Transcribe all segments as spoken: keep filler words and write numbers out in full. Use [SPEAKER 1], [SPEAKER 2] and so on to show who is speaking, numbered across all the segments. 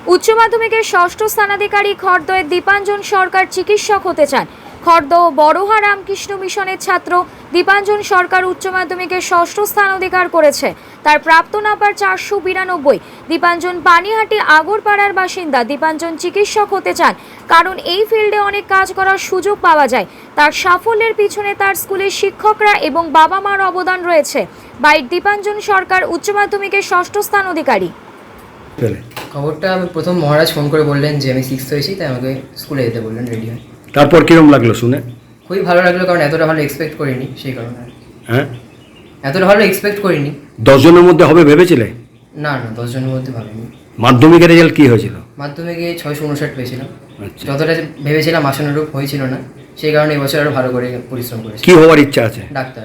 [SPEAKER 1] উচ্চ মাধ্যমিকের ষষ্ঠ স্থানাধিকারী খড়দয়ের দীপাঞ্জন সরকার চিকিৎসক হতে চান। খড়দ বড়হা রামকৃষ্ণ মিশনের ছাত্র দীপাঞ্জন সরকার উচ্চ মাধ্যমিকের ষষ্ঠ স্থান অধিকার করেছে। তার প্রাপ্ত নাম্বার চারশো বিরানব্বই। দীপাঞ্জন পানিহাটি আগরপাড়ার বাসিন্দা। দীপাঞ্জন চিকিৎসক হতে চান কারণ এই ফিল্ডে অনেক কাজ করার সুযোগ পাওয়া যায়। তার সাফল্যের পিছনে তার স্কুলের শিক্ষকরা এবং বাবা মার অবদান রয়েছে। বাইট দীপাঞ্জন সরকার উচ্চ মাধ্যমিকের ষষ্ঠ স্থান অধিকারী।
[SPEAKER 2] খবরটা আমি প্রথম মহারাজ ফোন করে বললেন যে আমি সিক্সথ হয়েছি, তাই আমাকে স্কুলে যেতে বললেন রেডি হয়ে।
[SPEAKER 3] তারপর কিরকম লাগলো শুনে?
[SPEAKER 2] খুবই ভালো লাগলো, কারণ এতটা ভালো এক্সপেক্ট করিনি, সেই কারণে।
[SPEAKER 3] হ্যাঁ,
[SPEAKER 2] এতটা ভালো এক্সপেক্ট করিনি।
[SPEAKER 3] দশ জনের মধ্যে হবে ভেবেছিলে?
[SPEAKER 2] না না, দশ জনের মধ্যে ভাবিনি।
[SPEAKER 3] মাধ্যমিকের রেজাল্ট কি হয়েছিল?
[SPEAKER 2] মাধ্যমিকে ছয়শো উনষাট পেয়েছিলাম।
[SPEAKER 3] আচ্ছা,
[SPEAKER 2] যতটা ভেবেছিলাম আশানুরূপ হয়েছিল না, সেই কারণে এবছর আরও ভালো করে পরিশ্রম করেছি।
[SPEAKER 3] কি হওয়ার ইচ্ছা আছে?
[SPEAKER 2] ডাক্তার।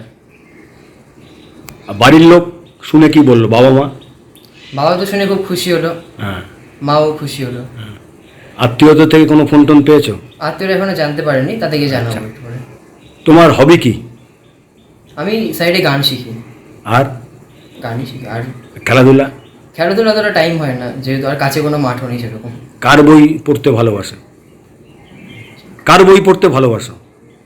[SPEAKER 3] আর বাড়ির লোক শুনে কি বললো? বাবা মা?
[SPEAKER 2] বাবা তো শুনে খুব খুশি হলো,
[SPEAKER 3] হ্যাঁ,
[SPEAKER 2] মাও খুশি হলো।
[SPEAKER 3] আত্মীয়তা থেকে কোনো ফোন টোন পেয়েছো?
[SPEAKER 2] আত্মীয়রা এখনো জানতে পারেনি, তাদেরকে জানাবো একটু পরে।
[SPEAKER 3] তোমার হবি কি?
[SPEAKER 2] আমি সাইডে গান শিখি।
[SPEAKER 3] আর
[SPEAKER 2] গানই শিখি। আর
[SPEAKER 3] খেলাধুলা?
[SPEAKER 2] খেলাধুলা অতটা টাইম হয় না, যেহেতু আর কাছে কোনো মাঠও নেই সেরকম।
[SPEAKER 3] কার বই পড়তে ভালোবাসো? কার বই পড়তে ভালোবাসো?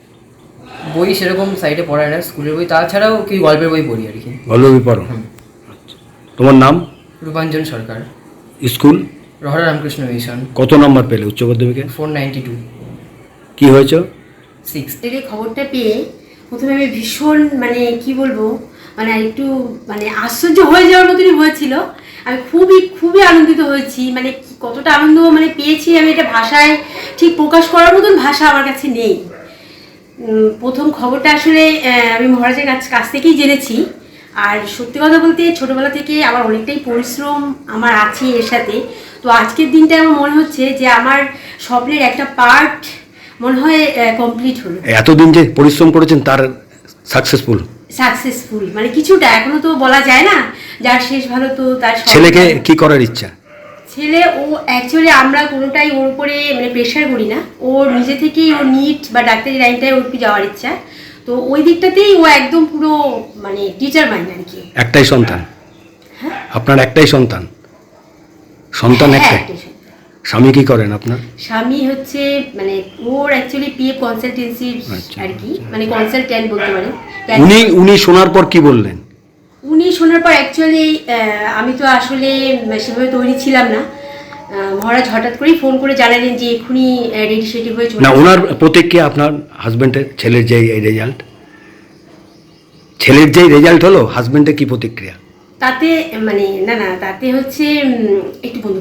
[SPEAKER 2] বই সেরকম সাইডে পড়ায় না, স্কুলের বই, তাছাড়াও কি গল্পের বই পড়ি আর কি।
[SPEAKER 3] গল্প বই পড়ো? আচ্ছা, তোমার নাম?
[SPEAKER 2] রূপাঞ্জন সরকার।
[SPEAKER 3] স্কুল?
[SPEAKER 2] রহরা রামকৃষ্ণ মিশন।
[SPEAKER 3] কত নম্বর পেলে উচ্চ মাধ্যমিকে?
[SPEAKER 2] Four ninety two.
[SPEAKER 3] কি হয়েছে?
[SPEAKER 2] সিক্স।
[SPEAKER 4] এই খবরটা পেয়ে প্রথমে আমি ভীষণ মানে কি বলবো মানে একটু মানে আশ্চর্য হয়ে যাওয়ার মতনই হয়েছিল। আমি খুবই খুবই আনন্দিত হয়েছি, মানে কতটা আনন্দ মানে পেয়েছি আমি এটা ভাষায় ঠিক প্রকাশ করার মতন ভাষা আমার কাছে নেই। প্রথম খবরটা আসলে আমি মহারাজের কাছ কাছ থেকেই জেনেছি। আর সত্যি কথা বলতে ছোটোবেলা থেকে আমার অনেকটাই পরিশ্রম আমার আছে এর সাথে। তো আজকের দিনটা আমার মনে হচ্ছে যে আমার স্বপ্নের একটা পার্ট মনে হয় কমপ্লিট হলো।
[SPEAKER 3] এতদিন যে পরিশ্রম করেছেন তার সাকসেসফুল?
[SPEAKER 4] সাকসেসফুল মানে কিছুটা, এখনো তো বলা যায় না, যার শেষ ভালো তো তার।
[SPEAKER 3] ছেলেকে কি করার ইচ্ছা?
[SPEAKER 4] ছেলে ও অ্যাকচুয়ালি আমরা কোনোটাই ওর উপরে মানে প্রেশার করি না, ও নিজে থেকেই ও নিট বা ডাক্তারি লাইনটায় ওর কি যাওয়ার ইচ্ছা। তো ওই দিকটাতেই ও একদম পুরো মানে টিচার মাইন্ড আর কি।
[SPEAKER 3] একটাই সন্তান?
[SPEAKER 4] হ্যাঁ,
[SPEAKER 3] আপনার একটাই সন্তান? সন্তান
[SPEAKER 4] হ্যাঁ,
[SPEAKER 3] একটাই?
[SPEAKER 4] একটাই সন্তান।
[SPEAKER 3] স্বামী কি করেন আপনার?
[SPEAKER 4] স্বামী হচ্ছে মানে ওর অ্যাকচুয়ালি পিএফ কনসালটেন্সি
[SPEAKER 3] আচ্ছা,
[SPEAKER 4] আর কি, মানে কনসালট্যান্ট বলতে পারেন।
[SPEAKER 3] উনি উনি শোনার পর কি বললেন?
[SPEAKER 4] উনি শোনার পর অ্যাকচুয়ালি আমি তো আসলে সেভাবে তৈরি ছিলাম না। মহারাজ হঠাৎ করেই ফোন করে জানালেন যে এক্ষুনি রেডি সেডি হয়ে চলে।
[SPEAKER 3] না, ওনার প্রতিক্রিয়া আপনার হাজবেন্ডের ছেলের যে এই রেজাল্ট, ছেলের যে রেজাল্ট হলো, হাজবেন্ডের কি প্রতিক্রিয়া?
[SPEAKER 4] তাতে মানে না না তাতে হচ্ছে একটু বন্ধু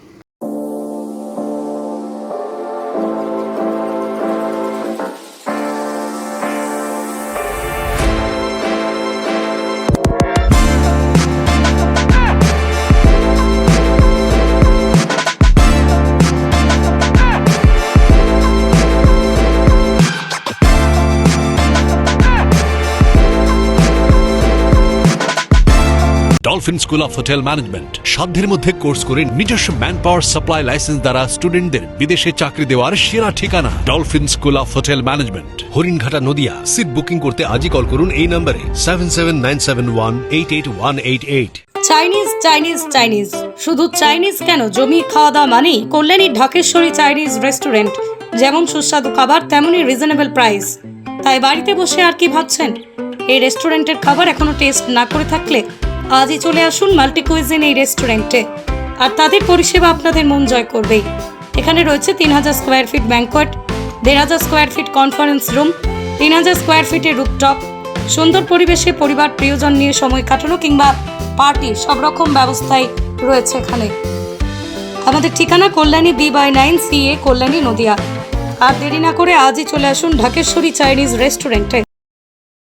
[SPEAKER 5] Dolphin school of hotel management সাধ্যের মধ্যে কোর্স করে নিজস্ব ম্যান পাওয়ার সাপ্লাই লাইসেন্স দ্বারা স্টুডেন্টদের বিদেশে চাকরি দেওয়ার সেরা ঠিকানা Dolphin school of hotel management, Haringhata, Nadia. Seat booking করতে আজই কল করুন এই নম্বরে seven seven nine seven one eight eight one eight eight.
[SPEAKER 6] Chinese Chinese Chinese শুধু চাইনিজ কেন, জমি খাওয়া দাওয়া মানেই কল্যাণী ঢাকেশ্বরী চাইনিজ রেস্টুরেন্ট। যেমন সুস্বাদু খাবার তেমনই রিজনেবল প্রাইস। তাই বাড়িতে বসে আর কি ভাবছেন? এই রেস্টুরেন্টের খাবার এখনো টেস্ট না করে থাকলে আজই চলে আসুন মাল্টি কুইজিন এই রেস্টুরেন্টে। আর তাদের পরিষেবা আপনাদের মন জয় করবেই। এখানে রয়েছে তিন হাজার স্কোয়ার ফিট ব্যাংকোয়েট, দেড় হাজার স্কোয়ার ফিট কনফারেন্স রুম, তিন হাজার স্কোয়ার ফিটের রুফটপ। সুন্দর পরিবেশে পরিবার প্রিয়জন নিয়ে সময় কাটানো কিংবা পার্টি সব রকম ব্যবস্থাই রয়েছে এখানে। আমাদের ঠিকানা Kalyani B by nine C A, Kalyani, Nadia. আর দেরি না করে আজই চলে আসুন ঢাকেশ্বরী চাইনিজ রেস্টুরেন্টে।